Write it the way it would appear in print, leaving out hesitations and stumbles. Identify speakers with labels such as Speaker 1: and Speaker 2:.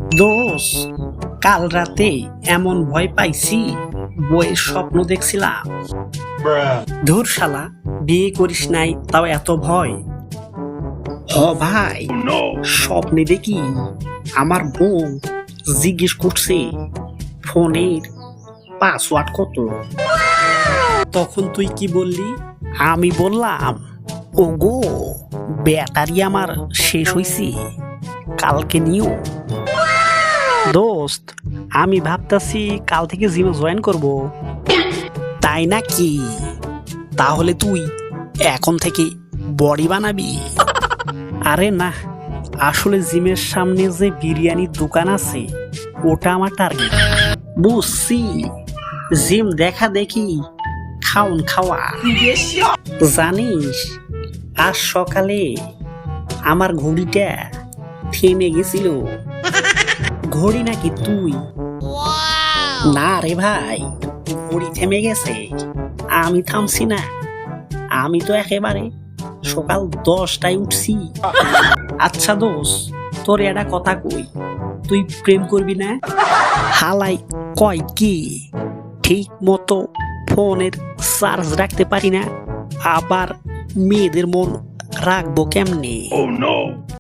Speaker 1: দোষ, কাল রাতে এমন ভয় পাইছি, বইয়ের স্বপ্ন দেখছিলাম। ধুর শালা, বিয়ে করিস নাই তাও এত ভয়? হ ভাই, স্বপ্নে দেখি আমার বউ জিজ্ঞেস করছে ফোনের পাসওয়ার্ড কত। তখন তুই কি বললি? আমি বললাম, ওগো ব্যাটারি আমার শেষ হইছে, কালকে নিও। দোস্ত, আমি ভাবতাছি কাল থেকে জিমে জয়েন করব। তাই নাকি? তাহলে তুই এখন থেকে বডি বানাবি? আরে না, আসলে জিমের সামনে যে বিরিয়ানির দোকান আছে ওটা আমার টার্গেট। বুঝছি, জিম দেখা দেখি খাওন খাওয়া। জানিস, আজ সকালে আমার ঘড়িটা থেমে গেছিল। ঘড়ি নাকি তুই? না রে ভাই, ঘড়ি থেমে গেছে, আমি থামছি না। আমি তো একেবারে সকাল 10টায় উঠছি। আচ্ছা দোষ, তোর একটা কথা কই, তুই প্রেম করবি না? হালাই কয় কি, ঠিক মতো ফোনের চার্জ রাখতে পারি না, আবার মেয়েদের মন রাখবো কেমনে?